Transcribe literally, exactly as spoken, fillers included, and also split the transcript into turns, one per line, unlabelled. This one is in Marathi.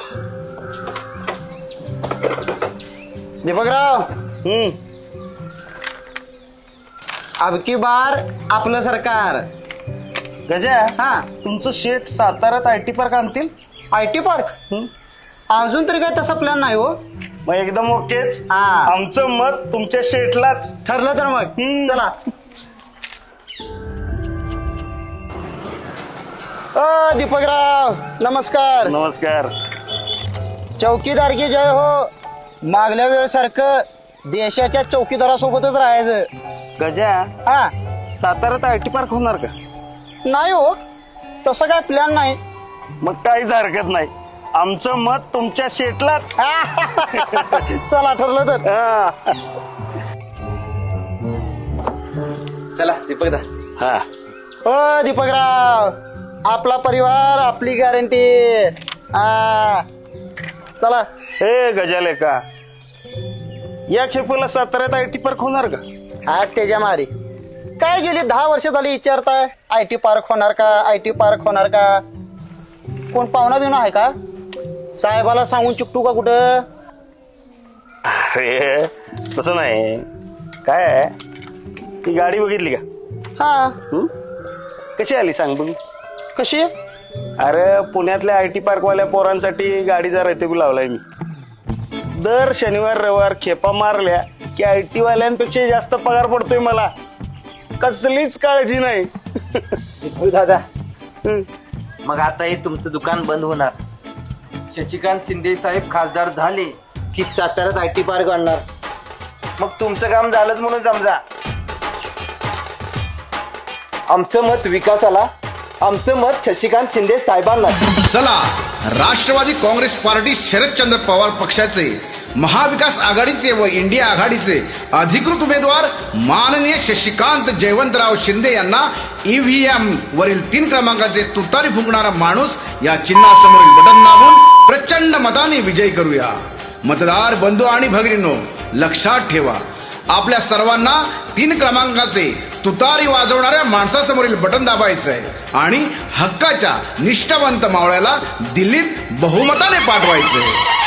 दीपकराव,
हम्म
अब की बार आपलं सरकार.
गजा,
हा,
तुमचं शेठ साताऱ्यात आय टी पार्क आणतील.
आय टी पार्क अजून तरी काय तसा प्लॅन नाही हो.
मग एकदम ओकेच.
हा.
आमचं मत तुमच्या शेठलाच.
ठरलं तर मग
हम्म.
चला. अ दीपकराव नमस्कार.
नमस्कार.
चौकीदार की जय हो. मागल्या वेळेसारखं देशाच्या चौकीदारासोबतच राहायचं.
गजा,
हा,
साताऱ्यात आय टी पार्क होणार का?
नाही हो, तसं काय प्लॅन नाही.
मग काहीच हरकत नाही. आमचं मत तुमच्या शेठलाच.
चला ठरलं तर.
हा.
चला दीपक दा.
हा.
ओ दीपकराव, आपला परिवार आपली गॅरंटी. हा, चला.
हे गजाले का, या खेपेला साताऱ्यात आय टी पार्क होणार का?
हा, त्याच्या मारी काय गेली दहा वर्ष झाली विचारताय आय टी पार्क होणार का, आय टी पार्क होणार का. कोण पाहुणा बिवणा आहे का? साहेबाला सांगून चुकटू का कुठं?
अरे तसं नाही. काय आहे, ती गाडी बघितली का?
हा,
हं? कशी आली सांग बघू.
कशी?
अरे पुण्यातल्या आय टी पार्क वाल्या पोरांसाठी गाडीचा रैतेबू लावलाय मी. दर शनिवार रविवार खेपा मारल्या की आय टी वाल्यांपेक्षा जास्त पगार पडतोय मला. कसलीच काळजी नाही.
दीपक दादा,
हं.
मग आता हे तुमचं दुकान बंद होणार. शशिकांत शिंदे साहेब खासदार झाले की साताऱ्यात आय टी पार्क आणणार. मग तुमचं काम झालंच म्हणून समजा. आमचं मत विकासाला, आमचं मत शशिकांत शिंदे साहेबांना.
चला, राष्ट्रवादी काँग्रेस पार्टी शरदचंद्र पवार पक्षाचे, महाविकास आघाडीचे व इंडिया आघाडीचे अधिकृत उमेदवार माननीय शशिकांत जयवंतराव शिंदे यांना ईव्हीएम वरील तीन क्रमांकाचे तुतारी फुंकणारा माणूस या चिन्हासमोरील बटन दाबून प्रचंड मताने विजयी करूया. मतदार बंधू आणि भगिनींनो, लक्षात ठेवा, आपल्या सर्वांना तीन क्रमांकाचे तुतारी वाजवणाऱ्या माणसासमोरील बटन दाबायचं आहे आणि हक्काच्या निष्ठावंत मावळ्याला दिल्लीत बहुमताने पाठवायचंय.